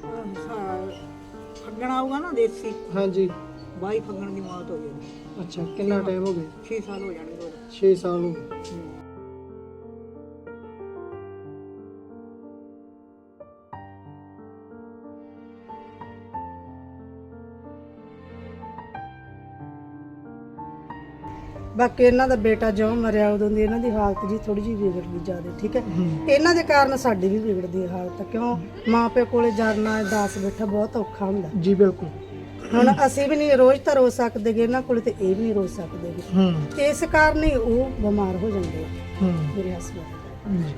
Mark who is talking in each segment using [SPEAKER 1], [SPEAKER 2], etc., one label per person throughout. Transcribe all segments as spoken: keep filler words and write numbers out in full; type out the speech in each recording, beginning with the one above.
[SPEAKER 1] ਫੱਗਣ ਆਊਗਾ ਨਾ ਦੇਸੀ
[SPEAKER 2] ਹਾਂਜੀ
[SPEAKER 1] ਬਾਈ ਫੱਗਣ ਦੀ ਮੌਤ ਹੋ ਗਈ।
[SPEAKER 2] ਅੱਛਾ ਕਿੰਨਾ ਟਾਈਮ ਹੋ ਗਿਆ?
[SPEAKER 1] ਛੇ ਸਾਲ ਹੋ ਜਾਣਗੇ।
[SPEAKER 2] ਛੇ ਸਾਲ ਹੋ ਗਏ। ਬਾਕੀ ਇਹਨਾਂ ਦਾ ਬੇਟਾ ਜਦੋਂ ਮਰਿਆ ਉਦੋਂ ਦੀ ਇਹਨਾਂ ਦੀ ਹਾਲਤ ਜੀ ਥੋੜੀ ਜਿਹੀ ਵਿਗੜ ਗਈ ਜ਼ਿਆਦਾ, ਠੀਕ ਹੈ। ਇਹਨਾਂ ਦੇ ਕਾਰਨ ਸਾਡੀ ਵੀ ਵਿਗੜਦੀ ਹੈ ਹਾਲਤ, ਕਿਉਂ ਮਾਂ ਪਿਓ ਕੋਲੇ ਜਾਣਾ ਦਾਸ ਬੈਠਾ ਬਹੁਤ ਔਖਾ ਹੁੰਦਾ ਜੀ। ਬਿਲਕੁਲ ਹੁਣ ਅਸੀਂ ਵੀ ਨਹੀਂ ਰੋਜ਼ ਤਾਂ ਰੋ ਸਕਦੇ ਗੇ ਇਹਨਾਂ ਕੋਲੇ, ਤੇ ਇਹ ਵੀ ਨਹੀਂ ਰੋ ਸਕਦੇ ਗੇ। ਇਸ ਕਾਰਨ ਹੀ ਉਹ ਬਿਮਾਰ ਹੋ ਜਾਂਦੇ ਆ ਮੇਰੇ ਹਸਬੰਦ।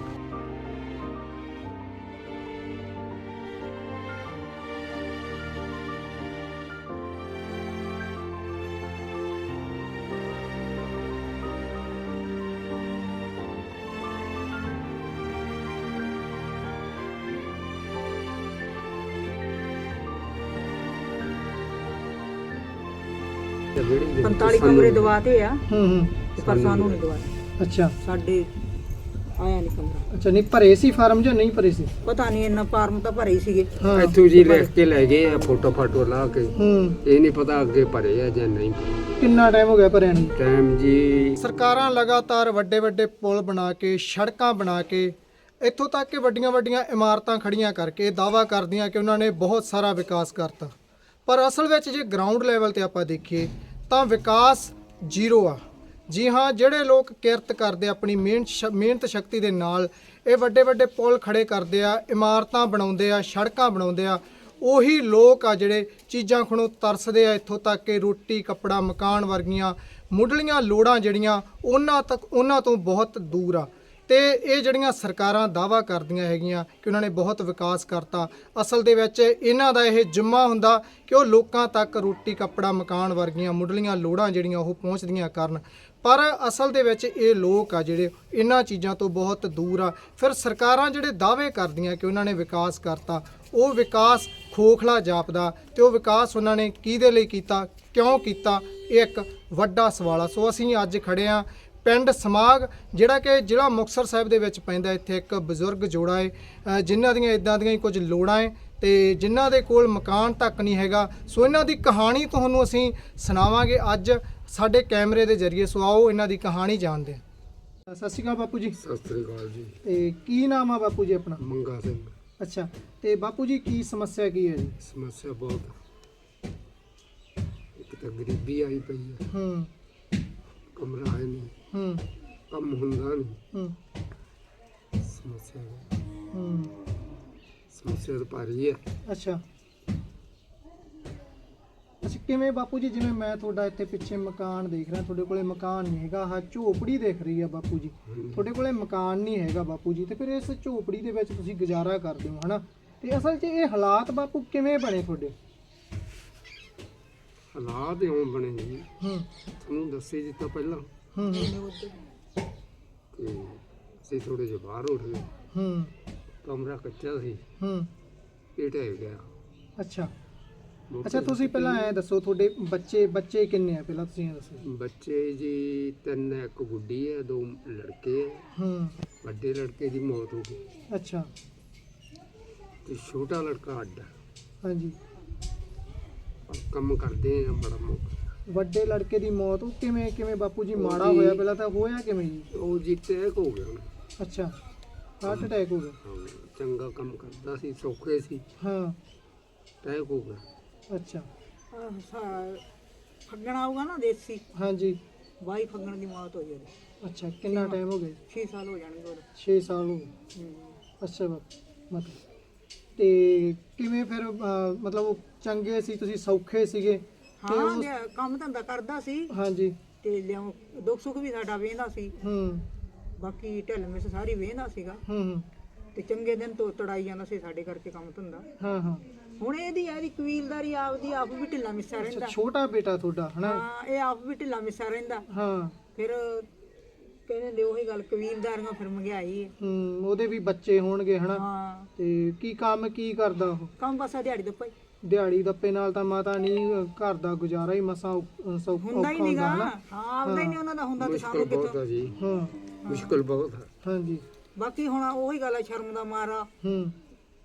[SPEAKER 1] ਪੰਤਾਲੀ ਕਮਰੇ ਦਵਾਤੇ ਆ
[SPEAKER 2] ਹੂੰ ਹੂੰ
[SPEAKER 1] ਪਰ ਸਾਨੂੰ ਨਹੀਂ ਦਵਾਤੇ।
[SPEAKER 2] ਅੱਛਾ
[SPEAKER 1] ਸਾਡੇ ਆਇਆ ਨਹੀਂ ਕਮਰਾ।
[SPEAKER 2] ਅੱਛਾ ਨਹੀਂ ਭਰੇ ਸੀ ਫਾਰਮ ਜਾਂ ਨਹੀਂ ਭਰੇ ਸੀ?
[SPEAKER 1] ਪਤਾ ਨਹੀਂ ਇੰਨਾ ਫਾਰਮ ਤਾਂ ਭਰੇ ਹੀ ਸੀਗੇ।
[SPEAKER 3] ਇੱਥੋਂ ਜੀ ਲਿਖ ਕੇ ਲੈ ਗਏ ਆ ਫੋਟੋ ਫਾਟੋ ਲਾ ਕੇ।
[SPEAKER 2] ਹੂੰ
[SPEAKER 3] ਇਹ ਨਹੀਂ ਪਤਾ ਅੱਗੇ ਭਰੇ ਆ ਜਾਂ ਨਹੀਂ।
[SPEAKER 2] ਕਿੰਨਾ ਟਾਈਮ ਹੋ ਗਿਆ ਭਰਿਆਂ ਨੂੰ?
[SPEAKER 3] ਟਾਈਮ ਜੀ
[SPEAKER 2] ਸਰਕਾਰਾਂ ਲਗਾਤਾਰ ਵੱਡੇ ਵੱਡੇ ਪੁਲ ਬਣਾ ਕੇ ਸੜਕਾਂ ਬਣਾ ਕੇ ਇੱਥੋਂ ਤੱਕ ਕਿ ਵੱਡੀਆਂ ਵੱਡੀਆਂ ਇਮਾਰਤਾਂ ਖੜੀਆਂ ਕਰਕੇ ਦਾਅਵਾ ਕਰਦੀਆਂ ਕਿ ਉਹਨਾਂ ਨੇ ਬਹੁਤ ਸਾਰਾ ਵਿਕਾਸ ਕਰਤਾ, ਪਰ ਅਸਲ ਵਿੱਚ ਜੇ ਗਰਾਊਂਡ ਲੈਵਲ ਤੇ ਆਪਾਂ ਦੇਖੀਏ ਤਾਂ ਵਿਕਾਸ ਜ਼ੀਰੋ ਆ। ਜੀ ਹਾਂ, ਜਿਹੜੇ ਲੋਕ ਕਿਰਤ ਕਰਦੇ ਆਪਣੀ ਮਿਹਨਤ ਸ਼ ਮਿਹਨਤ ਸ਼ਕਤੀ ਦੇ ਨਾਲ ਇਹ ਵੱਡੇ ਵੱਡੇ ਪੁਲ ਖੜੇ ਕਰਦੇ ਆ, ਇਮਾਰਤਾਂ ਬਣਾਉਂਦੇ ਆ, ਸੜਕਾਂ ਬਣਾਉਂਦੇ ਆ, ਉਹੀ ਲੋਕ ਆ ਜਿਹੜੇ ਚੀਜ਼ਾਂ ਖਣੋਂ ਤਰਸਦੇ ਆ ਇੱਥੋਂ ਤੱਕ ਕਿ ਰੋਟੀ ਕੱਪੜਾ ਮਕਾਨ ਵਰਗੀਆਂ ਮੁੱਢਲੀਆਂ ਲੋੜਾਂ ਜਿਹੜੀਆਂ ਉਹਨਾਂ ਤੱਕ ਉਹਨਾਂ ਤੋਂ ਬਹੁਤ ਦੂਰ ਆ। ਤੇ ਇਹ ਜਿਹੜੀਆਂ ਸਰਕਾਰਾਂ ਦਾਅਵਾ ਕਰਦੀਆਂ ਹੈਗੀਆਂ ਕਿ ਉਹਨਾਂ ਨੇ ਬਹੁਤ ਵਿਕਾਸ ਕਰਤਾ, ਅਸਲ ਦੇ ਵਿੱਚ ਇਹਨਾਂ ਦਾ ਇਹ ਜ਼ਿੰਮਾ ਹੁੰਦਾ ਕਿ ਉਹ ਲੋਕਾਂ ਤੱਕ ਰੋਟੀ ਕੱਪੜਾ ਮਕਾਨ ਵਰਗੀਆਂ ਮੁੱਢਲੀਆਂ ਲੋੜਾਂ ਜਿਹੜੀਆਂ ਉਹ ਪਹੁੰਚਦੀਆਂ ਕਰਨ, ਪਰ ਅਸਲ ਦੇ ਵਿੱਚ ਇਹ ਲੋਕ ਆ ਜਿਹੜੇ ਇਹਨਾਂ ਚੀਜ਼ਾਂ ਤੋਂ ਬਹੁਤ ਦੂਰ ਆ। ਫਿਰ ਸਰਕਾਰਾਂ ਜਿਹੜੇ ਦਾਅਵੇ ਕਰਦੀਆਂ ਕਿ ਉਹਨਾਂ ਨੇ ਵਿਕਾਸ ਕਰਤਾ, ਉਹ ਵਿਕਾਸ ਖੋਖਲਾ ਜਾਪਦਾ ਤੇ ਉਹ ਵਿਕਾਸ ਉਹਨਾਂ ਨੇ ਕਿਹਦੇ ਲਈ ਕੀਤਾ, ਕਿਉਂ ਕੀਤਾ, ਇਹ ਇੱਕ ਵੱਡਾ ਸਵਾਲ ਆ। ਸੋ ਅਸੀਂ ਅੱਜ ਖੜੇ ਆ ਪਿੰਡ ਸਮਾਗ, ਜਿਹੜਾ ਕਿ ਜ਼ਿਲ੍ਹਾ ਮੁਕਤਸਰ ਸਾਹਿਬ ਦੇ ਵਿੱਚ ਪੈਂਦਾ। ਇੱਥੇ ਇੱਕ ਬਜ਼ੁਰਗ ਜੋੜਾ ਹੈ ਜਿਨ੍ਹਾਂ ਦੀਆਂ ਇਦਾਂ ਦੀਆਂ ਹੀ ਕੁਝ ਲੋੜਾਂ ਹੈ ਤੇ ਜਿਨ੍ਹਾਂ ਦੇ ਕੋਲ ਮਕਾਨ ਤੱਕ ਨਹੀਂ ਹੈਗਾ। ਸੋ ਇਹਨਾਂ ਦੀ ਕਹਾਣੀ ਤੁਹਾਨੂੰ ਅਸੀਂ ਸੁਣਾਵਾਂਗੇ ਅੱਜ ਸਾਡੇ ਕੈਮਰੇ ਦੇ ਜ਼ਰੀਏ। ਸੋ ਆਓ ਇਹਨਾਂ ਦੀ ਕਹਾਣੀ ਜਾਣਦੇ ਹਾਂ। ਸਤਿ ਸ਼੍ਰੀ ਅਕਾਲ ਬਾਪੂ ਜੀ।
[SPEAKER 3] ਸਤਿ ਸ੍ਰੀ ਅਕਾਲ ਜੀ।
[SPEAKER 2] ਤੇ ਕੀ ਨਾਮ ਆ ਬਾਪੂ ਜੀ ਆਪਣਾ?
[SPEAKER 3] ਮੰਗਾ ਸਿੰਘ।
[SPEAKER 2] ਅੱਛਾ, ਤੇ ਬਾਪੂ ਜੀ ਕੀ ਸਮੱਸਿਆ ਕੀ ਹੈ ਜੀ?
[SPEAKER 3] ਸਮੱਸਿਆ ਬਹੁਤ, ਇੱਕ ਤਾਂ ਗਰੀਬੀ ਆਈ ਪਈ ਹੈ,
[SPEAKER 2] ਹੂੰ
[SPEAKER 3] ਕਮਰਾ ਹੈ ਨਹੀਂ,
[SPEAKER 2] ਹੂੰ
[SPEAKER 3] ਕੰਮ ਹੁੰਦਾ ਨਹੀਂ,
[SPEAKER 2] ਹੂੰ
[SPEAKER 3] ਸਮੱਸਿਆ
[SPEAKER 2] ਹੂੰ
[SPEAKER 3] ਸਮੱਸਿਆ ਤਾਂ ਭਾਰੀ ਹੈ।
[SPEAKER 2] ਅੱਛਾ ਅੱਛਾ ਕਿਵੇਂ ਬਾਪੂ ਜੀ, ਜਿਵੇਂ ਮੈਂ ਤੁਹਾਡਾ ਇੱਥੇ ਪਿੱਛੇ ਮਕਾਨ ਦੇਖ ਰਿਹਾ, ਤੁਹਾਡੇ ਕੋਲੇ ਮਕਾਨ ਨਹੀਂ ਹੈਗਾ, ਆਹ ਝੋਪੜੀ ਦੇਖ ਰਹੀ ਆ ਬਾਪੂ ਜੀ, ਤੁਹਾਡੇ ਕੋਲੇ ਮਕਾਨ ਨਹੀਂ ਹੈਗਾ ਬਾਪੂ ਜੀ, ਤੇ ਫਿਰ ਇਸ ਝੋਪੜੀ ਦੇ ਵਿੱਚ ਤੁਸੀਂ ਗੁਜ਼ਾਰਾ ਕਰਦੇ ਹੋ ਹਨਾ, ਤੇ ਅਸਲ 'ਚ ਇਹ ਹਾਲਾਤ ਬਾਪੂ ਕਿਵੇਂ ਬਣੇ ਤੁਹਾਡੇ?
[SPEAKER 3] ਹਾਲਾਤ ਇਉਂ ਬਣੇ ਜੀ,
[SPEAKER 2] ਹੂੰ
[SPEAKER 3] ਤੁਹਾਨੂੰ ਦੱਸੇ ਜਿੱਤਾ ਪਹਿਲਾਂ
[SPEAKER 2] ਹੂੰ
[SPEAKER 3] ਤੇ ਅਸੀਂ ਥੋੜੇ ਜਿਹੇ ਬਾਹਰ ਉੱਠ ਗਏ,
[SPEAKER 2] ਹੂੰ
[SPEAKER 3] ਕਮਰਾ ਕੱਚਾ ਸੀ,
[SPEAKER 2] ਹੂੰ
[SPEAKER 3] ਇਹ ਢਹਿ ਗਿਆ।
[SPEAKER 2] ਅੱਛਾ ਅੱਛਾ ਤੁਸੀਂ ਪਹਿਲਾਂ ਐ ਦੱਸੋ ਤੁਹਾਡੇ ਬੱਚੇ ਬੱਚੇ ਕਿੰਨੇ ਆ, ਪਹਿਲਾਂ ਤੁਸੀਂ ਇਹ ਦੱਸੋ।
[SPEAKER 3] ਬੱਚੇ ਜੀ ਤਿੰਨ, ਇੱਕ ਗੁੱਡੀ ਹੈ, ਦੋ ਲੜਕੇ ਹੈ।
[SPEAKER 2] ਹੂੰ
[SPEAKER 3] ਵੱਡੇ ਲੜਕੇ ਦੀ ਮੌਤ ਹੋ ਗਈ
[SPEAKER 2] ਅੱਛਾ
[SPEAKER 3] ਤੇ ਛੋਟਾ ਲੜਕਾ ਅੱਡ ਹੈ।
[SPEAKER 2] ਹਾਂਜੀ,
[SPEAKER 3] ਪਰ ਕੰਮ ਕਰਦੇ ਆ ਬੜਾ ਮੌਕਾ।
[SPEAKER 2] ਵੱਡੇ ਲੜਕੇ ਦੀ ਮੌਤ ਉਹ ਕਿਵੇਂ ਕਿਵੇਂ ਬਾਪੂ ਜੀ ਮਾੜਾ ਹੋਇਆ ਪਹਿਲਾਂ ਤਾਂ, ਹੋਇਆ ਕਿਵੇਂ ਜੀ?
[SPEAKER 3] ਉਹ ਜੀ ਟੈਕ ਹੋ ਗਿਆ ਉਹਨੂੰ।
[SPEAKER 2] ਅੱਛਾ ਹਾਰਟ ਅਟੈਕ ਹੋ ਗਿਆ?
[SPEAKER 3] ਹਾਂ, ਚੰਗਾ ਕੰਮ ਕਰਦਾ ਸੀ, ਸੌਖੇ ਸੀ,
[SPEAKER 2] ਹਾਂ
[SPEAKER 3] ਟੈਕ ਹੋ ਗਿਆ।
[SPEAKER 2] ਅੱਛਾ
[SPEAKER 1] ਫੱਗਣ ਆਊਗਾ ਨਾ ਦੇਸੀ
[SPEAKER 2] ਹਾਂਜੀ
[SPEAKER 1] ਬਾਈ ਫੱਗਣ ਦੀ ਮੌਤ ਹੋ ਗਈ।
[SPEAKER 2] ਅੱਛਾ ਕਿੰਨਾ ਟਾਈਮ ਹੋ ਗਿਆ?
[SPEAKER 1] ਛੇ ਸਾਲ ਹੋ ਜਾਣਗੇ।
[SPEAKER 2] ਛੇ ਸਾਲ ਹੋ ਗਏ।
[SPEAKER 1] ਹੂੰ।
[SPEAKER 2] ਅੱਛਾ ਬਾਪੂ ਮਤਲਬ ਤੇ ਕਿਵੇਂ ਫਿਰ ਅਹ, ਮਤਲਬ ਉਹ ਚੰਗੇ ਸੀ, ਤੁਸੀਂ ਸੌਖੇ ਸੀਗੇ? ਤੇ
[SPEAKER 1] ਹਾਂ
[SPEAKER 2] ਉਸ-
[SPEAKER 1] ਲਿਆ- ਕੰਮ ਧੰਦਾ ਕਰਦਾ ਸੀ
[SPEAKER 2] ਹਾਂਜੀ
[SPEAKER 1] ਤੇ ਲਿਆਉ ਦੁੱਖ ਸੁੱਖ ਵੀ ਸਾਡਾ ਵੇਂਦਾ ਸੀ,
[SPEAKER 2] ਹੂੰ
[SPEAKER 1] ਬਾਕੀ ਢਿੱਲ ਮਿਸ ਸਾਰੀ ਵੇਂਦਾ ਸੀਗਾ
[SPEAKER 2] ਹੂੰ ਹੂੰ
[SPEAKER 1] ਤੇ ਚੰਗੇ ਦਿਨ ਤੋਂ ਤੜਾਈ ਜਾਂਦਾ ਸੀ ਸਾਡੇ ਕਰਕੇ ਕੰਮ ਧੰਦਾ।
[SPEAKER 2] ਹਾਂ ਹਾਂ
[SPEAKER 1] ਹੁਣ ਇਹਦੀ ਇਹਦੀ ਕਬੀਲਦਾਰੀ ਆਪਦੀ ਆਪ ਵੀ ਢਿੱਲਾ ਮਿੱਸਾ
[SPEAKER 2] ਅੱਛਾ
[SPEAKER 1] ਰਹਿੰਦਾ।
[SPEAKER 2] ਛੋਟਾ ਬੇਟਾ ਤੁਹਾਡਾ ਹਨਾ?
[SPEAKER 1] ਹਾਂ ਇਹ ਆਪ ਵੀ ਢਿੱਲਾ ਮਿੱਸਾ ਰਹਿੰਦਾ।
[SPEAKER 2] ਹਾਂ
[SPEAKER 1] ਫਿਰ ਕਹਿੰਦੇ ਨੇ ਉਹੀ ਗੱਲ, ਕਬੀਲਦਾਰੀਆਂ ਫਿਰ ਮਹਿੰਗਾਈ ਹੈ।
[SPEAKER 2] ਹੂੰ ਉਹਦੇ ਵੀ ਬੱਚੇ ਹੋਣਗੇ ਹਨਾ?
[SPEAKER 1] ਹਾਂ
[SPEAKER 2] ਤੇ ਕੀ ਕੰਮ ਕੀ ਕਰਦਾ ਉਹ?
[SPEAKER 1] ਕੰਮ ਬਸ ਆ ਦਿਹਾੜੀ ਦਾ ਭਾਈ
[SPEAKER 2] ਦਿਹਾੜੀ ਦੱਪੇ ਨਾਲ ਤਾਂ ਮਾਤਾ ਨਹੀਂ ਘਰ ਦਾ ਗੁਜ਼ਾਰਾ ਹੀ ਮਸਾਂ ਸੌਖਾ
[SPEAKER 1] ਹੁੰਦਾ ਹੀ ਨਹੀਂਗਾ। ਹਾਂ ਆਪਦਾ ਹੀ ਨਹੀਂ ਉਹਨਾਂ ਦਾ ਹੁੰਦਾ ਤੇ
[SPEAKER 3] ਮੁਸ਼ਕਲ
[SPEAKER 1] ਸਾਨੂੰ
[SPEAKER 3] ਬਹੁਤ
[SPEAKER 1] ਕਿੱਥੋਂ।
[SPEAKER 3] ਆ ਜੀ,
[SPEAKER 2] ਹਾਂ
[SPEAKER 3] ਮੁਸ਼ਕਲ ਬਹੁਤ ਹੈ।
[SPEAKER 2] ਹਾਂਜੀ
[SPEAKER 1] ਬਾਕੀ ਹੁਣ ਉਹੀ ਗੱਲ ਹੈ, ਸ਼ਰਮ ਦਾ ਮਾਰਾ
[SPEAKER 2] ਹੂੰ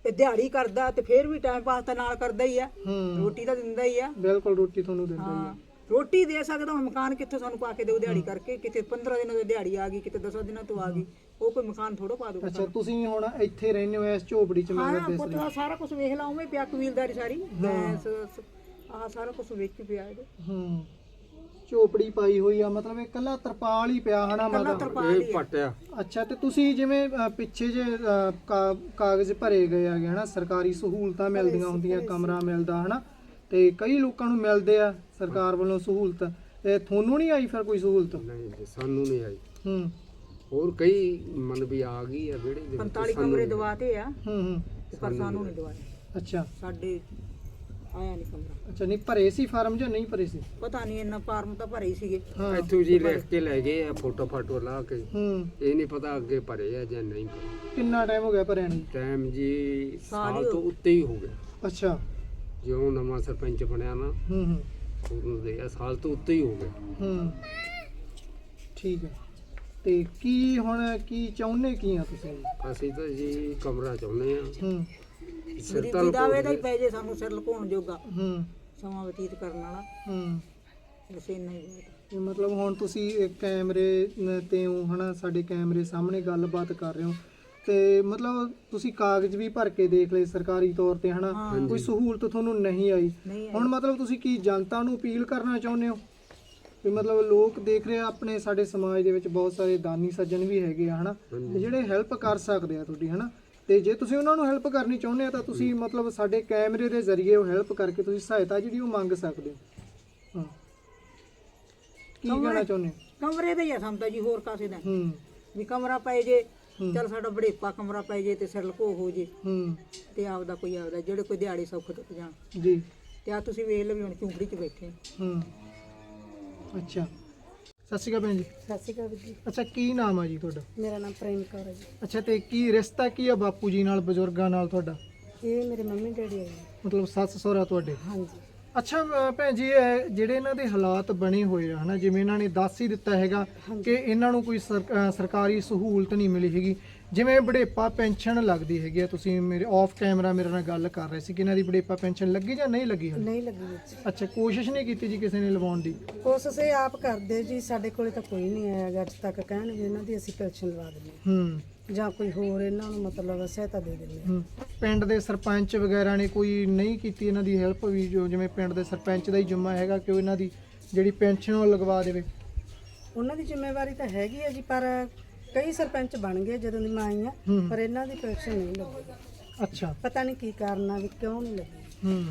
[SPEAKER 1] ਤੇ ਦਿਹਾੜੀ ਕਰਦਾ ਤੇ ਫੇਰ ਵੀ ਟਾਈਮ ਪਾਸ ਤਾਂ ਨਾਲ ਕਰਦਾ ਹੀ ਆ,
[SPEAKER 2] ਹੂੰ
[SPEAKER 1] ਰੋਟੀ ਤਾਂ ਦਿੰਦਾ ਹੀ ਆ।
[SPEAKER 2] ਬਿਲਕੁਲ ਰੋਟੀ ਤੁਹਾਨੂੰ ਦਿੰਦਾ ਹੀ
[SPEAKER 1] ਹਾਂ
[SPEAKER 2] ਆ।
[SPEAKER 1] ਰੋਟੀ ਦੇ ਸਕਦਾ, ਹੁਣ ਮਕਾਨ ਕਿੱਥੋਂ ਸਾਨੂੰ ਪਾ ਕੇ ਦੇਉ ਦਿਹਾੜੀ ਕਰਕੇ? ਕਿਤੇ ਪੰਦਰਾਂ ਦਿਨਾਂ ਦੀ ਦਿਹਾੜੀ ਆ ਗਈ, ਕਿਤੇ ਦਸਾਂ ਦਿਨਾਂ ਤੋਂ ਆ ਗਈ, ਉਹ ਕੋਈ ਮਕਾਨ ਥੋੜੋ ਪਾ ਦੂਗਾ।
[SPEAKER 2] ਅੱਛਾ ਤੁਸੀਂ ਹੁਣ ਇੱਥੇ ਰਹਿੰਦੇ ਹੋ ਇਸ ਝੋਪੜੀ 'ਚ? ਮੈਂ
[SPEAKER 1] ਹਾਂ
[SPEAKER 2] ਦੱਸ
[SPEAKER 1] ਪੁੱਤ
[SPEAKER 2] ਰਹੀ
[SPEAKER 1] ਆਹ ਸਾਰਾ ਕੁਝ ਵੇਖ ਲਾ, ਉਵੇਂ ਪਿਆ ਕਬੀਲਦਾਰੀ ਸਾਰੀ, ਭੈਂਸ ਆਹ ਸਾਰਾ ਕੁਝ ਵੇਚ ਕੇ ਪਿਆ ਇਹਦੇ।
[SPEAKER 2] ਹੂੰ ਝੋਪੜੀ ਪਾਈ ਹੋਈ ਆ, ਮਤਲਬ ਇਹ ਕੱਲਾ ਤਰਪਾਲ ਹੀ ਪਿਆ ਹਨਾ
[SPEAKER 1] ਕੱਲਾ
[SPEAKER 2] ਮਾਤਾ?
[SPEAKER 1] ਤਰਪਾਲ ਹੀ
[SPEAKER 3] ਇਹ
[SPEAKER 1] ਆ।
[SPEAKER 3] ਪਟਿਆ
[SPEAKER 2] ਅੱਛਾ ਤੇ ਤੁਸੀਂ ਜਿਵੇਂ ਅ, ਪਿੱਛੇ ਜੇ ਅ, ਕਾ- ਕਾਗਜ਼ ਭਰੇ ਗਏ ਹੈਗੇ ਹਨਾ, ਸਰਕਾਰੀ ਸਹੂਲਤਾਂ ਮਿਲਦੀਆਂ ਹੁੰਦੀਆਂ, ਕਮਰਾ ਮਿਲਦਾ ਹਨਾ, ਤੇ ਕਈ ਲੋਕਾਂ ਨੂੰ ਮਿਲਦੇ ਆ ਸਰਕਾਰ ਵੱਲੋਂ ਸਹੂਲਤ, ਤੇ ਤੁਹਾਨੂੰ ਨਹੀਂ ਆਈ ਫਿਰ ਕੋਈ ਸਹੂਲਤ?
[SPEAKER 3] ਨਹੀਂ ਜੀ, ਸਾਨੂੰ ਨਹੀਂ ਆਈ।
[SPEAKER 2] ਹੂੰ
[SPEAKER 3] ਹੋਰ ਕਈ ਮਨ ਵੀ ਆ ਗਈ ਆ ਵਿਹੜੇ ਦੇ ਵਿੱਚ,
[SPEAKER 1] ਪੰਤਾਲੀ
[SPEAKER 3] ਸਾਨੂੰ
[SPEAKER 1] ਕਮਰੇ
[SPEAKER 3] ਨਹੀਂ।
[SPEAKER 1] ਦਵਾਤੇ ਆ,
[SPEAKER 2] ਹੂੰ ਹੂੰ
[SPEAKER 1] ਪਰ ਸਾਨੂੰ ਨਹੀਂ ਦਵਾਏ।
[SPEAKER 2] ਅੱਛਾ
[SPEAKER 1] ਸਾਡੇ ਆਇਆ ਨਹੀਂ ਕਮਰਾ।
[SPEAKER 2] ਅੱਛਾ ਨਹੀਂ ਭਰੇ ਸੀ ਫਾਰਮ ਜਾਂ ਨਹੀਂ ਭਰੇ ਸੀ?
[SPEAKER 1] ਪਤਾ ਨਹੀਂ, ਇੰਨਾ ਫਾਰਮ ਤਾਂ ਭਰੇ ਹੀ ਸੀਗੇ।
[SPEAKER 2] ਹਾਂ
[SPEAKER 3] ਇੱਥੋਂ ਜੀ ਲਿਖ ਕੇ ਲੈ ਗਏ ਆ, ਫੋਟੋ ਫਾਟੋ ਲਾ ਕੇ।
[SPEAKER 2] ਹੂੰ
[SPEAKER 3] ਇਹ ਨਹੀਂ ਪਤਾ ਅੱਗੇ ਭਰੇ ਆ ਜਾਂ ਨਹੀਂ ਭਰੇ।
[SPEAKER 2] ਕਿੰਨਾ ਟਾਈਮ ਹੋ ਗਿਆ ਭਰਿਆ ਨੂੰ?
[SPEAKER 3] ਟਾਈਮ ਜੀ
[SPEAKER 1] ਸਾਲ
[SPEAKER 3] ਸਾਲ
[SPEAKER 1] ਹੀ
[SPEAKER 3] ਤੋਂ ਉੱਤੇ ਹੀ ਹੋ ਗਿਆ।
[SPEAKER 2] ਅੱਛਾ
[SPEAKER 3] ਜਿਉਂ ਨਵਾਂ ਸਰਪੰਚ ਬਣਿਆ ਨਾ,
[SPEAKER 2] ਹੂੰ ਹੂੰ
[SPEAKER 3] ਉਹਨੂੰ ਦੇ ਆ ਸਾਲ ਤੋਂ ਉੱਤੇ ਹੀ ਹੋ ਗਿਆ।
[SPEAKER 2] ਹੂੰ ਠੀਕ ਹੈ। ਤੇ ਕੀ ਹੁਣ ਕੀ ਚਾਹੁੰਦੇ ਕੀ ਆ ਤੁਸੀਂ?
[SPEAKER 3] ਅਸੀਂ ਤਾਂ ਜੀ ਕਮਰਾ ਚਾਹੁੰਦੇ ਆ।
[SPEAKER 2] ਹੂੰ
[SPEAKER 1] ਗਰੀਬੀ ਦਾ ਵੇ ਦਾ ਹੀ ਪੈ ਜੇ ਸਾਨੂੰ, ਸਿਰ ਲੁਕਾਉਣ ਜੋਗਾ
[SPEAKER 2] ਹੂੰ
[SPEAKER 1] ਸਮਾਂ ਬਤੀਤ ਕਰਨ ਵਾਲਾ,
[SPEAKER 2] ਹੂੰ
[SPEAKER 1] ਬਸ ਇੰਨਾ ਹੀ ਬਹੁਤ।
[SPEAKER 2] ਇਹ ਮਤਲਬ ਹੁਣ ਤੁਸੀਂ ਇੱਕ ਕੈਮਰੇ ਨ- ਤੇ ਹੋ ਹਨਾ, ਸਾਡੇ ਕੈਮਰੇ ਸਾਹਮਣੇ ਗੱਲਬਾਤ ਕਰ ਰਹੇ ਹੋ, ਤੇ ਮਤਲਬ ਤੁਸੀਂ ਕਾਗਜ਼ ਵੀ ਭਰ ਕੇ ਦੇਖ ਲਏ ਸਰਕਾਰੀ ਤੌਰ ਤੇ ਹਨਾ,
[SPEAKER 1] ਹਾਂ।
[SPEAKER 2] ਕੋਈ ਸਹੂਲਤ ਤੁਹਾਨੂੰ ਨਹੀਂ ਆਈ।
[SPEAKER 1] ਨਹੀਂ ਆਈ।
[SPEAKER 2] ਹੁਣ ਮਤਲਬ ਤੁਸੀਂ ਕੀ ਜਨਤਾ ਨੂੰ ਅਪੀਲ ਕਰਨਾ ਚਾਹੁੰਦੇ ਹੋ? ਵੀ ਮਤਲਬ ਲੋਕ ਦੇਖ ਰਹੇ ਆ, ਆਪਣੇ ਸਾਡੇ ਸਮਾਜ ਦੇ ਵਿੱਚ ਬਹੁਤ ਸਾਰੇ ਦਾਨੀ ਸੱਜਣ ਵੀ ਹੈਗੇ ਆ ਹਨਾ, ਤੇ ਜਿਹੜੇ ਹੈਲਪ ਕਰ ਸਕਦੇ ਆ ਤੁਹਾਡੀ ਹਨਾ, ਤੇ ਜੇ ਤੁਸੀਂ ਉਹਨਾਂ ਨੂੰ ਹੈਲਪ ਕਰਨੀ ਚਾਹੁੰਦੇ ਆ ਤਾਂ ਤੁਸੀਂ ਮਤਲਬ ਸਾਡੇ ਕੈਮਰੇ ਦੇ ਜ਼ਰੀਏ ਉਹ ਹੈਲਪ ਕਰਕੇ ਤੁਸੀਂ ਸਹਾਇਤਾ ਜਿਹੜੀ ਉਹ ਮੰਗ ਸਕਦੇ ਹੋ। ਹਾਂ ਕੀ ਕਹਿਣਾ ਚਾਹੁੰਦੇ ਹੋ?
[SPEAKER 1] ਕਮਰੇ ਦਾ ਹੀ ਆ ਸਾਨੂੰ ਤਾਂ ਜੀ, ਹੋਰ ਕਾਸੇ ਦਾ ਨਹੀਂ।
[SPEAKER 2] ਹੂੰ
[SPEAKER 1] ਵੀ ਕਮਰਾ ਪੈ ਜੇ, ਚਲ ਸਾਡਾ ਬੜੇਪਾ ਕਮਰਾ ਪੈ ਜੇ ਤੇ ਸਿਰ ਲਕੋ ਹੋ ਜੇ,
[SPEAKER 2] ਹੂੰ
[SPEAKER 1] ਤੇ ਆਪਦਾ ਕੋਈ ਆਪਦਾ ਜਿਹੜੇ ਕੋਈ ਦਿਹਾੜੀ ਸੌਖ ਟੁੱਟ ਜਾਣ।
[SPEAKER 2] ਜੀ
[SPEAKER 1] ਤੇ ਆ ਤੁਸੀਂ ਵੇਖ ਲਓ ਵੀ ਹੁਣ ਝੁੰਪੜੀ 'ਚ ਬੈਠੇ ਆ।
[SPEAKER 2] ਹੂੰ ਅੱਛਾ ਸਤਿ ਸ਼੍ਰੀ ਅਕਾਲ ਭੈਣ ਜੀ।
[SPEAKER 1] ਸਤਿ ਸ਼੍ਰੀ ਅਕਾਲ ਜੀ,
[SPEAKER 2] ਅੱਛਾ ਕੀ ਨਾਮ ਆ ਜੀ ਤੁਹਾਡਾ?
[SPEAKER 1] ਮੇਰਾ ਨਾਮ ਪ੍ਰੇਮ ਕੌਰ ਹੈ ਜੀ।
[SPEAKER 2] ਅੱਛਾ ਤੇ ਕੀ ਰਿਸ਼ਤਾ ਕੀ ਆ ਬਾਪੂ ਜੀ ਨਾਲ, ਬਜ਼ੁਰਗਾਂ ਨਾਲ ਤੁਹਾਡਾ?
[SPEAKER 1] ਇਹ ਮੇਰੇ ਮੰਮੀ ਡੈਡੀ ਹੈ ਜੀ।
[SPEAKER 2] ਮਤਲਬ ਸੱਸ ਸਹੁਰਾ ਤੁਹਾਡੇ?
[SPEAKER 1] ਹਾਂਜੀ।
[SPEAKER 2] ਅੱਛਾ ਅ, ਭੈਣ ਜੀ ਇਹ ਜਿਹੜੇ ਇਹਨਾਂ ਦੇ ਹਾਲਾਤ ਬਣੇ ਹੋਏ ਆ ਹਨਾ, ਜਿਵੇਂ ਇਹਨਾਂ ਨੇ ਦੱਸ ਹੀ ਦਿੱਤਾ ਹੈਗਾ ਕਿ ਇਹਨਾਂ ਨੂੰ ਕੋਈ ਸਰ- ਅ, ਸਰਕਾਰੀ ਸਹੂਲਤ ਨਹੀਂ ਮਿਲੀ ਹੈਗੀ, ਜਿਵੇਂ ਬੁਢੇਪਾ ਪੈਨਸ਼ਨ ਲੱਗਦੀ ਹੈਗੀ ਆ, ਤੁਸੀਂ ਮੇਰੇ ਆਫ ਕੈਮਰਾ ਮੇਰੇ ਨਾਲ ਗੱਲ ਕਰ ਰਹੇ ਸੀ ਕਿ ਇਹਨਾਂ ਦੀ ਬੁਢੇਪਾ ਪੈਨਸ਼ਨ ਲੱਗੀ ਜਾਂ ਨਹੀਂ ਲੱਗੀ ਹਾਲੇ?
[SPEAKER 1] ਨਹੀਂ ਲੱਗੀ ਵਿੱਚ।
[SPEAKER 2] ਅੱਛਾ ਕੋਸ਼ਿਸ਼ ਨਹੀਂ ਕੀਤੀ ਜੀ ਕਿਸੇ ਨੇ ਲਵਾਉਣ ਦੀ?
[SPEAKER 1] ਕੋਸ਼ਿਸ਼ ਇਹ ਆਪ ਕਰਦੇ ਜੀ, ਸਾਡੇ ਕੋਲੇ ਤਾਂ ਕੋਈ ਨਹੀਂ ਆਇਆ ਅੱਜ ਤੱਕ ਕਹਿਣ ਵੀ ਇਹਨਾਂ ਦੀ ਅਸੀਂ ਪੈਨਸ਼ਨ ਲਵਾ ਦਿੰਦੇ
[SPEAKER 2] ਹੂੰ
[SPEAKER 1] ਹਾਂ ਜਾਂ ਕੋਈ ਹੋਰ ਇਹਨਾਂ ਨੂੰ ਮਤਲਬ ਸਹਾਇਤਾ ਦੇ ਦਿੰਦੇ ਹਾਂ।
[SPEAKER 2] ਹੂੰ ਪਿੰਡ ਦੇ ਸਰਪੰਚ ਵਗੈਰਾ ਨੇ ਕੋਈ ਨਹੀਂ ਕੀਤੀ ਇਹਨਾਂ ਦੀ ਹੈਲਪ ਵੀ, ਜੋ ਜਿਵੇਂ ਪਿੰਡ ਦੇ ਸਰਪੰਚ ਦਾ ਹੀ ਜ਼ਿੰਮਾ ਹੈਗਾ ਕਿ ਉਹ ਇਹਨਾਂ ਦੀ ਜਿਹੜੀ ਪੈਨਸ਼ਨ ਉਹ ਲਗਵਾ ਦੇਵੇ?
[SPEAKER 1] ਉਹਨਾਂ ਦੀ ਜ਼ਿੰਮੇਵਾਰੀ ਤਾਂ ਹੈਗੀ ਹੈ ਜੀ, ਪਰ ਕਈ ਸਰਪੰਚ ਬਣ ਗਏ ਜਦੋਂ ਦੀ ਮੈਂ ਆਈ ਆ,
[SPEAKER 2] ਹੂੰ।
[SPEAKER 1] ਪਰ ਇਹਨਾਂ ਦੀ ਪੈਨਸ਼ਨ ਨਹੀਂ ਲੱਗੀ।
[SPEAKER 2] ਅੱਛਾ
[SPEAKER 1] ਪਤਾ ਨਹੀਂ ਕੀ ਕਾਰਨ ਆ ਵੀ ਕਿਉਂ ਨਹੀਂ ਲੱਗੀ।
[SPEAKER 2] ਹੂੰ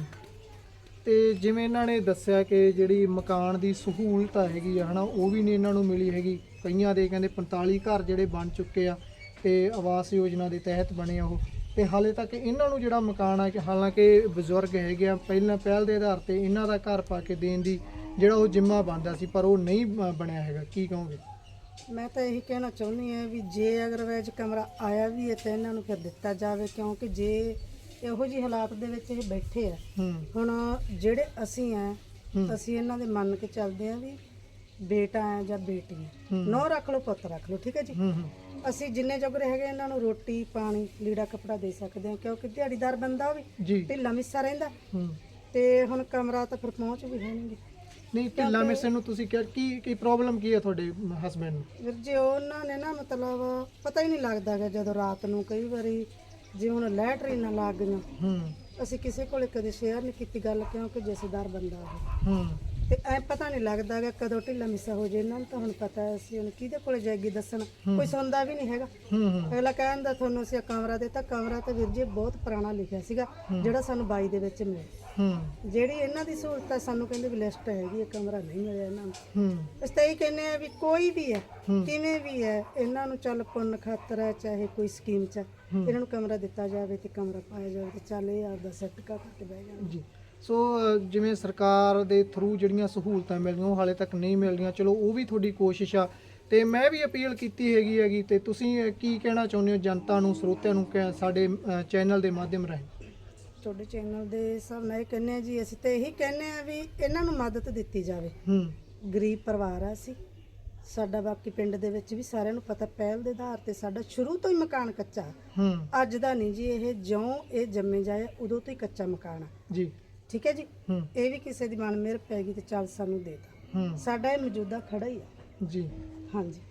[SPEAKER 2] ਤੇ ਜਿਵੇਂ ਇਹਨਾਂ ਨੇ ਦੱਸਿਆ ਕਿ ਜਿਹੜੀ ਮਕਾਨ ਦੀ ਸਹੂਲਤ ਹੈਗੀ ਆ ਹਨਾ, ਉਹ ਵੀ ਨਹੀਂ ਇਹਨਾਂ ਨੂੰ ਮਿਲੀ ਹੈਗੀ। ਕਈਆਂ ਦੇ ਕਹਿੰਦੇ ਪੰਤਾਲੀ ਘਰ ਜਿਹੜੇ ਬਣ ਚੁੱਕੇ ਆ ਤੇ ਆਵਾਸ ਯੋਜਨਾ ਦੇ ਤਹਿਤ ਬਣੇ ਆ ਉਹ, ਤੇ ਹਾਲੇ ਤੱਕ ਇਹਨਾਂ ਨੂੰ ਜਿਹੜਾ ਮਕਾਨ ਆ ਕਿ ਹਾਲਾਂਕਿ ਬਜ਼ੁਰਗ ਹੈਗੇ ਆ, ਪਹਿਲਾਂ ਪਹਿਲ ਦੇ ਆਧਾਰ ਤੇ ਇਹਨਾਂ ਦਾ ਘਰ ਪਾ ਕੇ ਦੇਣ ਦੀ ਜਿਹੜਾ ਉਹ ਜ਼ਿੰਮਾ ਬਣਦਾ ਸੀ, ਪਰ ਉਹ ਨਹੀਂ ਬ- ਬਣਿਆ ਹੈਗਾ। ਕੀ ਕਹੋਗੇ?
[SPEAKER 1] ਮੈਂ ਤਾਂ ਇਹੀ ਕਹਿਣਾ ਚਾਹੁੰਦੀ ਹਾਂ ਵੀ ਜੇ ਅਗਰ ਵੈਜ ਕਮਰਾ ਆਇਆ ਵੀ ਹੈ ਤਾਂ ਇਹਨਾਂ ਨੂੰ ਫਿਰ ਦਿੱਤਾ ਜਾਵੇ, ਕਿਉਂਕਿ ਜੇ ਇਹੋ ਜਿਹੇ ਹਾਲਾਤ ਦੇ ਵਿੱਚ ਇਹ ਬੈਠੇ ਆ,
[SPEAKER 2] ਹੂੰ
[SPEAKER 1] ਹੁਣ ਜਿਹੜੇ ਅਸੀਂ ਆ
[SPEAKER 2] ਹੂੰ।
[SPEAKER 1] ਅਸੀਂ ਇਹਨਾਂ ਦੇ ਮੰਨ ਕੇ ਚੱਲਦੇ ਆ ਵੀ ਬੇਟਾ ਹੈ ਜਾਂ ਬੇਟੀ ਹੈ,
[SPEAKER 2] ਹੂੰ।
[SPEAKER 1] ਨੌ ਰੱਖ ਲਓ ਪੁੱਤ ਰੱਖ ਲਓ, ਠੀਕ ਹੈ ਜੀ।
[SPEAKER 2] ਹੂੰ ਹੂੰ
[SPEAKER 1] ਅਸੀਂ ਜਿੰਨੇ ਜੋਗਰੇ ਹੈਗੇ ਇਹਨਾਂ ਨੂੰ ਰੋਟੀ ਪਾਣੀ ਲੀੜਾ ਕੱਪੜਾ ਦੇ ਸਕਦੇ ਹਾਂ, ਕਿਉਂਕਿ ਦਿਹਾੜੀਦਾਰ ਬੰਦਾ ਉਹ ਵੀ
[SPEAKER 2] ਜੀ
[SPEAKER 1] ਢਿੱਲਾ ਮਿੱਸਾ ਰਹਿੰਦਾ,
[SPEAKER 2] ਹੂੰ
[SPEAKER 1] ਤੇ ਹੁਣ ਕਮਰਾ ਤਾਂ ਫਿਰ ਪਹੁੰਚ ਵੀ ਹੋਣਗੇ।
[SPEAKER 2] ਨਹੀਂ ਢਿੱਲਾ ਮਿਸੇ ਨੂੰ ਤੁਸੀਂ ਕਿਹਾ ਕੀ ਕੀ ਪ੍ਰੋਬਲਮ ਕੀ ਹੈ ਤੁਹਾਡੇ ਹਸਬੰਡ ਨੂੰ?
[SPEAKER 1] ਵੀਰ ਜੀ ਉਹਨਾਂ ਨੇ ਨਾ ਮਤਲਬ ਪਤਾ ਹੀ ਨਹੀਂ ਲੱਗਦਾ ਗਾ ਜਦੋਂ ਰਾਤ ਨੂੰ ਕਈ ਵਾਰੀ ਜੇ ਹੁਣ ਲੈਟਰੀਨਾਂ ਲੱਗ ਗਈਆਂ,
[SPEAKER 2] ਹੂੰ
[SPEAKER 1] ਅਸੀਂ ਕਿਸੇ ਕੋਲੇ ਕਦੇ ਸ਼ੇਅਰ ਨਹੀਂ ਕੀਤੀ ਗੱਲ, ਕਿਉਂਕਿ ਜਥੇਦਾਰ ਬੰਦਾ ਉਹ,
[SPEAKER 2] ਹੂੰ
[SPEAKER 1] ਤੇ ਐ ਪਤਾ ਨਹੀਂ ਲੱਗਦਾ ਗਾ ਕਦੋਂ ਢਿੱਲਾ ਮਿੱਸਾ ਹੋ ਜੇ। ਇਹਨਾਂ ਨੂੰ ਤਾਂ ਹੁਣ ਪਤਾ ਹੈ, ਅਸੀਂ ਹੁਣ ਕਿਹਦੇ ਕੋਲੇ ਜਾਏਗੀ ਦੱਸਣ, ਕੋਈ ਸੁਣਦਾ ਵੀ ਨਹੀਂ ਹੈਗਾ।
[SPEAKER 2] ਹੂੰ ਹੂੰ
[SPEAKER 1] ਅਗਲਾ ਕਹਿੰਦਾ ਤੁਹਾਨੂੰ ਅਸੀਂ ਕਮਰਾ ਦਿੱਤਾ, ਕਮਰਾ ਤਾਂ ਵੀਰ ਜੀ ਬਹੁਤ ਪੁਰਾਣਾ ਲਿਖਿਆ ਸੀਗਾ ਜਿਹੜਾ ਸਾਨੂੰ ਬਾਈ ਦੇ ਵਿੱਚ ਮਿਲਿਆ।
[SPEAKER 2] ਹੂੰ
[SPEAKER 1] ਜਿਹੜੀ ਇਹਨਾਂ ਦੀ ਸਹੂਲਤ ਹੈ ਸਾਨੂੰ ਕਹਿੰਦੇ ਵੀ ਲਿਸਟ ਹੈਗੀ ਹੈ, ਕਮਰਾ ਨਹੀਂ ਮਿਲਿਆ ਇਹਨਾਂ ਨੂੰ।
[SPEAKER 2] ਹੂੰ
[SPEAKER 1] ਅਸੀਂ ਤਾਂ ਇਹ ਕਹਿੰਦੇ ਆ ਵੀ ਕੋਈ ਵੀ ਹੈ ਕਿਵੇਂ ਵੀ ਹੈ ਇਹਨਾਂ ਨੂੰ ਚੱਲ ਪੁੰਨ ਖਾਤਰ ਹੈ ਚਾਹੇ ਕੋਈ ਸਕੀਮ ਚ ਹੈ, ਇਹਨਾਂ ਨੂੰ ਕਮਰਾ ਦਿੱਤਾ ਜਾਵੇ ਤੇ ਕਮਰਾ ਪਾਇਆ ਜਾਵੇ ਤੇ ਚੱਲ ਇਹ ਆਪਦਾ ਸੈੱਟ ਕਰਕੇ ਬਹਿ ਜਾਣ।
[SPEAKER 2] ਜੀ ਸੋ ਅ, ਜਿਵੇਂ ਸਰਕਾਰ ਦੇ ਥਰੂ ਜਿਹੜੀਆਂ ਸਹੂਲਤਾਂ ਮਿਲਦੀਆਂ ਉਹ ਹਾਲੇ ਤੱਕ ਨਹੀਂ ਮਿਲਦੀਆਂ, ਚਲੋ ਉਹ ਵੀ ਤੁਹਾਡੀ ਕੋਸ਼ਿਸ਼ ਆ, ਤੇ ਮੈਂ ਵੀ ਅਪੀਲ ਕੀਤੀ ਹੈਗੀ ਹੈਗੀ ਤੇ ਤੁਸੀਂ ਅ, ਕੀ ਕਹਿਣਾ ਚਾਹੁੰਦੇ ਹੋ ਜਨਤਾ ਨੂੰ, ਸਰੋਤਿਆਂ ਨੂੰ ਕਿ ਸਾਡੇ ਚੈਨਲ ਦੇ ਮਾਧਿਅਮ ਰਾਹੀਂ?
[SPEAKER 1] ਤੁਹਾਡੇ ਚੈਨਲ ਦੇ ਹਿਸਾਬ ਨਾਲ ਇਹ ਕਹਿੰਦੇ ਆ ਜੀ, ਅਸੀਂ ਤਾਂ ਇਹੀ ਕਹਿੰਦੇ ਆ ਵੀ ਇਹਨਾਂ ਨੂੰ ਮਦਦ ਦਿੱਤੀ ਜਾਵੇ।
[SPEAKER 2] ਹੂੰ
[SPEAKER 1] ਗਰੀਬ ਪਰਿਵਾਰ ਆ ਅਸੀਂ, ਸਾਡਾ ਬਾਕੀ ਪਿੰਡ ਦੇ ਵਿੱਚ ਵੀ ਸਾਰਿਆਂ ਨੂੰ ਪਤਾ, ਪਹਿਲ ਦੇ ਆਧਾਰ ਤੇ ਸਾਡਾ ਸ਼ੁਰੂ ਤੋਂ ਹੀ ਮਕਾਨ ਕੱਚਾ।
[SPEAKER 2] ਹੂੰ
[SPEAKER 1] ਅੱਜ ਦਾ ਨਹੀਂ ਜੀ, ਇਹ ਜਿਉਂ ਇਹ ਜੰਮੇ ਜਾਏ ਉਦੋਂ ਤੋਂ ਹੀ ਕੱਚਾ ਮਕਾਨ ਆ।
[SPEAKER 2] ਜੀ
[SPEAKER 1] ਠੀਕ ਹੈ ਜੀ।
[SPEAKER 2] ਹੂੰ
[SPEAKER 1] ਇਹ ਵੀ ਕਿਸੇ ਦੀ ਮਨ ਮਿਹਰ ਪੈ ਗਈ ਤੇ ਚੱਲ ਸਾਨੂੰ ਦੇਤਾ।
[SPEAKER 2] ਹੂੰ
[SPEAKER 1] ਸਾਡਾ ਇਹ ਮੌਜੂਦਾ ਖੜਾ ਹੀ ਆ।
[SPEAKER 2] ਜੀ
[SPEAKER 1] ਹਾਂਜੀ,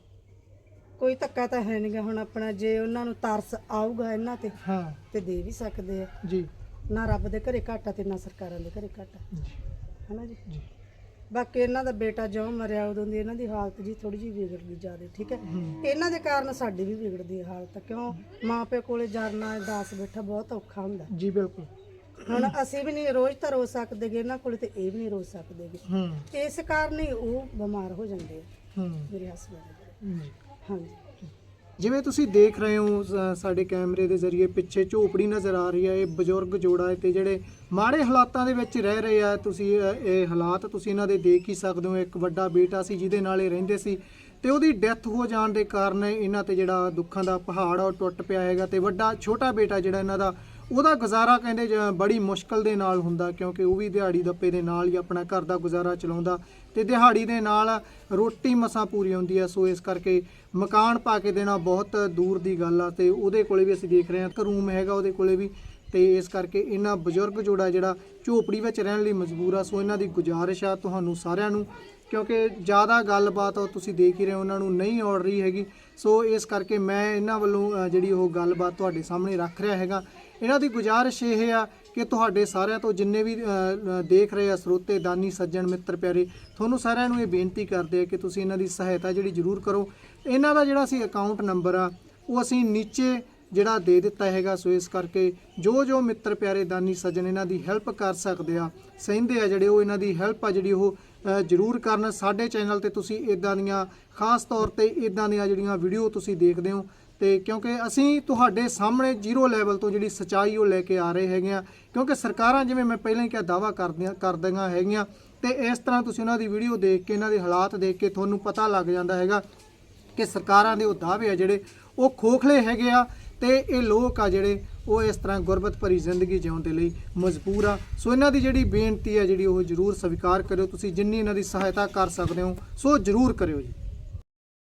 [SPEAKER 1] ਕੋਈ ਧੱਕਾ ਤਾਂ ਹੈ ਨਹੀਂਗਾ। ਹੁਣ ਆਪਣਾ ਜੇ ਉਹਨਾਂ ਨੂੰ ਤਰਸ ਆਊਗਾ ਇਹਨਾਂ ਤੇ
[SPEAKER 2] ਹਾਂ
[SPEAKER 1] ਤੇ ਦੇ ਵੀ ਸਕਦੇ ਆ।
[SPEAKER 2] ਜੀ
[SPEAKER 1] ਨਾ ਰੱਬ ਦੇ ਘਰੇ ਘਾਟਾ ਤੇ ਨਾ ਸਰਕਾਰਾਂ ਦੇ ਘਰੇ ਘਾਟਾ,
[SPEAKER 2] ਜੀ
[SPEAKER 1] ਹਨਾ ਜੀ।
[SPEAKER 2] ਜੀ
[SPEAKER 1] ਬਾਕੀ ਇਹਨਾਂ ਦਾ ਬੇਟਾ ਜਿਉਂ ਮਰਿਆ ਉਦੋਂ ਦੀ ਇਹਨਾਂ ਦੀ ਹਾਲਤ ਜੀ ਥੋੜੀ ਜਿਹੀ ਵਿਗੜ ਗਈ ਜ਼ਿਆਦਾ। ਠੀਕ ਹੈ,
[SPEAKER 2] ਹੂੰ
[SPEAKER 1] ਇਹਨਾਂ ਦੇ ਕਾਰਨ ਸਾਡੀ ਵੀ ਵਿਗੜਦੀ ਹੈ ਹਾਲਤ। ਕਿਉਂ ਮਾਂ ਪਿਓ ਕੋਲੇ ਜਰਨਾ ਦਾਸ ਬੈਠਾ ਬਹੁਤ ਔਖਾ ਹੁੰਦਾ।
[SPEAKER 2] ਜੀ ਬਿਲਕੁਲ।
[SPEAKER 1] ਹੁਣ ਅਸੀਂ ਵੀ ਨਹੀਂ ਰੋਜ਼ ਤਾਂ ਰੋ ਸਕਦੇਗੇ, ਇਹਨਾਂ ਕੋਲੇ ਤੇ ਇਹ ਵੀ ਨਹੀਂ ਰੋ ਸਕਦੇਗੇ।
[SPEAKER 2] ਹੂੰ
[SPEAKER 1] ਇਸ ਕਾਰਨ ਹੀ ਉਹ ਬਿਮਾਰ ਹੋ ਜਾਂਦੇ ਆ
[SPEAKER 2] ਹੂੰ
[SPEAKER 1] ਮੇਰੇ ਹਸਬੰਦ।
[SPEAKER 2] ਜੀ
[SPEAKER 1] ਹਾਂਜੀ,
[SPEAKER 2] ਜਿਵੇਂ ਤੁਸੀਂ ਦੇਖ ਰਹੇ ਹੋ ਸ- ਸਾਡੇ ਕੈਮਰੇ ਦੇ ਜ਼ਰੀਏ ਪਿੱਛੇ ਝੋਪੜੀ ਨਜ਼ਰ ਆ ਰਹੀ ਹੈ। ਇਹ ਬਜ਼ੁਰਗ ਜੋੜਾ ਹੈ ਤੇ ਜਿਹੜੇ ਮਾੜੇ ਹਾਲਾਤਾਂ ਦੇ ਵਿੱਚ ਰਹਿ ਰਹੇ ਆ। ਤੁਸੀਂ ਇਹ ਇਹ ਹਾਲਾਤ ਤੁਸੀਂ ਇਹਨਾਂ ਦੇ ਦੇਖ ਹੀ ਸਕਦੇ ਹੋ। ਇੱਕ ਵੱਡਾ ਬੇਟਾ ਸੀ ਜਿਹਦੇ ਨਾਲ ਇਹ ਰਹਿੰਦੇ ਸੀ ਤੇ ਉਹਦੀ ਡੈਥ ਹੋ ਜਾਣ ਦੇ ਕਾਰਨ ਇਹਨਾਂ ਤੇ ਜਿਹੜਾ ਦੁੱਖਾਂ ਦਾ ਪਹਾੜ ਆ ਉਹ ਟੁੱਟ ਪਿਆ ਹੈਗਾ। ਤੇ ਵੱਡਾ ਛੋਟਾ ਬੇਟਾ ਜਿਹੜਾ ਇਹਨਾਂ ਦਾ, ਉਹਦਾ ਗੁਜ਼ਾਰਾ ਕਹਿੰਦੇ ਜ- ਬੜੀ ਮੁਸ਼ਕਲ ਦੇ ਨਾਲ ਹੁੰਦਾ, ਕਿਉਂਕਿ ਉਹ ਵੀ ਦਿਹਾੜੀ ਦੱਪੇ ਦੇ ਨਾਲ ਹੀ ਆਪਣਾ ਘਰ ਦਾ ਗੁਜ਼ਾਰਾ ਚਲਾਉਂਦਾ ਤੇ ਦਿਹਾੜੀ ਦੇ ਨਾਲ ਰੋਟੀ ਮਸਾਂ ਪੂਰੀ ਹੁੰਦੀ ਹੈ। ਸੋ ਇਸ ਕਰਕੇ ਮਕਾਨ ਪਾ ਕੇ ਦੇਣਾ ਬਹੁਤ ਦੂਰ ਦੀ ਗੱਲ ਆ। ਤੇ ਉਹਦੇ ਕੋਲੇ ਵੀ ਅਸੀਂ ਦੇਖ ਰਹੇ ਹਾਂ ਇੱਕ ਰੂਮ ਹੈਗਾ ਉਹਦੇ ਕੋਲੇ ਵੀ। ਤੇ ਇਸ ਕਰਕੇ ਇਹਨਾਂ ਬਜ਼ੁਰਗ ਜੋੜਾ ਜਿਹੜਾ ਝੋਪੜੀ ਵਿੱਚ ਰਹਿਣ ਲਈ ਮਜਬੂਰ ਆ। ਸੋ ਇਹਨਾਂ ਦੀ ਗੁਜ਼ਾਰਿਸ਼ ਆ ਤੁਹਾਨੂੰ ਸਾਰਿਆਂ ਨੂੰ, ਕਿਉਂਕਿ ਜ਼ਿਆਦਾ ਗੱਲਬਾਤ ਉਹ ਤੁਸੀਂ ਦੇਖ ਹੀ ਰਹੇ ਹੋ ਉਹਨਾਂ ਨੂੰ ਨਹੀਂ ਔੜ ਰਹੀ ਹੈਗੀ। ਸੋ ਇਸ ਕਰਕੇ ਮੈਂ ਇਹਨਾਂ ਵੱਲੋਂ ਅ, ਜਿਹੜੀ ਉਹ ਗੱਲਬਾਤ ਤੁਹਾਡੇ ਸਾਹਮਣੇ ਰੱਖ ਰਿਹਾ ਹੈਗਾ। ਇਹਨਾਂ ਦੀ ਗੁਜ਼ਾਰਿਸ਼ ਇਹ ਆ ਕਿ ਤੁਹਾਡੇ ਸਾਰਿਆਂ ਤੋਂ ਜਿੰਨੇ ਵੀ ਅ, ਅ, ਦੇਖ ਰਹੇ ਆ ਸਰੋਤੇ, ਦਾਨੀ, ਸੱਜਣ, ਮਿੱਤਰ ਪਿਆਰੇ, ਤੁਹਾਨੂੰ ਸਾਰਿਆਂ ਨੂੰ ਇਹ ਬੇਨਤੀ ਕਰਦੇ ਆ ਕਿ ਤੁਸੀਂ ਇਹਨਾਂ ਦੀ ਸਹਾਇਤਾ ਜਿਹੜੀ ਜ਼ਰੂਰ ਕਰੋ। ਇਹਨਾਂ ਦਾ ਜਿਹੜਾ ਅਸੀਂ ਅਕਾਊਂਟ ਨੰਬਰ ਆ ਉਹ ਅਸੀਂ ਨੀਚੇ ਜਿਹੜਾ ਦੇ ਦਿੱਤਾ ਹੈਗਾ। ਸੋ ਇਸ ਕਰਕੇ ਜੋ ਜੋ ਮਿੱਤਰ ਪਿਆਰੇ, ਦਾਨੀ, ਸੱਜਣ ਇਹਨਾਂ ਦੀ ਹੈਲਪ ਕਰ ਸਕਦੇ ਆ, ਸਹਿੰਦੇ ਆ ਜਿਹੜੇ, ਉਹ ਇਹਨਾਂ ਦੀ ਹੈਲਪ ਆ ਜਿਹੜੀ ਉਹ ਅ, ਜ਼ਰੂਰ ਕਰਨ। ਸਾਡੇ ਚੈਨਲ ਤੇ ਤੁਸੀਂ ਇਦਾਂ ਦੀਆਂ ਖਾਸ ਤੌਰ ਤੇ ਇਦਾਂ ਦੀਆਂ ਜਿਹੜੀਆਂ ਵੀਡੀਓ ਤੁਸੀਂ ਦੇਖਦੇ ਹੋ, ਤੇ ਕਿਉਂਕਿ ਅਸੀਂ ਤੁਹਾਡੇ ਸਾਹਮਣੇ ਜ਼ੀਰੋ ਲੈਵਲ ਤੋਂ ਜਿਹੜੀ ਸੱਚਾਈ ਉਹ ਲੈ ਕੇ ਆ ਰਹੇ ਹੈਗੇ ਆ। ਕਿਉਂਕਿ ਸਰਕਾਰਾਂ ਜਿਵੇਂ ਮੈਂ ਪਹਿਲਾਂ ਹੀ ਕਿਹਾ ਦਾਅਵਾ ਕਰਦੀਆਂ ਕਰਦੀਆਂ ਹੈਗੀਆਂ, ਤੇ ਇਸ ਤਰ੍ਹਾਂ ਤੁਸੀਂ ਉਹਨਾਂ ਦੀ ਵੀਡੀਓ ਦੇਖ ਕੇ, ਇਹਨਾਂ ਦੇ ਹਾਲਾਤ ਦੇਖ ਕੇ ਤੁਹਾਨੂੰ ਪਤਾ ਲੱਗ ਜਾਂਦਾ ਹੈਗਾ ਕਿ ਸਰਕਾਰਾਂ ਦੇ ਉਹ ਦਾਅਵੇ ਆ ਜਿਹੜੇ ਉਹ ਖੋਖਲੇ ਹੈਗੇ ਆ। ਤੇ ਇਹ ਲੋਕ ਆ ਜਿਹੜੇ ਉਹ ਇਸ ਤਰ੍ਹਾਂ ਗੁਰਬਤ ਭਰੀ ਜ਼ਿੰਦਗੀ ਜਿਉਣ ਦੇ ਲਈ ਮਜਬੂਰ ਆ। ਸੋ ਇਹਨਾਂ ਦੀ ਜਿਹੜੀ ਬੇਨਤੀ ਹੈ ਜਿਹੜੀ ਉਹ ਜ਼ਰੂਰ ਸਵੀਕਾਰ ਕਰਿਓ। ਤੁਸੀਂ ਜਿੰਨੀ ਇਹਨਾਂ ਦੀ ਸਹਾਇਤਾ ਕਰ ਸਕਦੇ ਹੋ ਸੋ ਜ਼ਰੂਰ ਕਰਿਓ ਜੀ।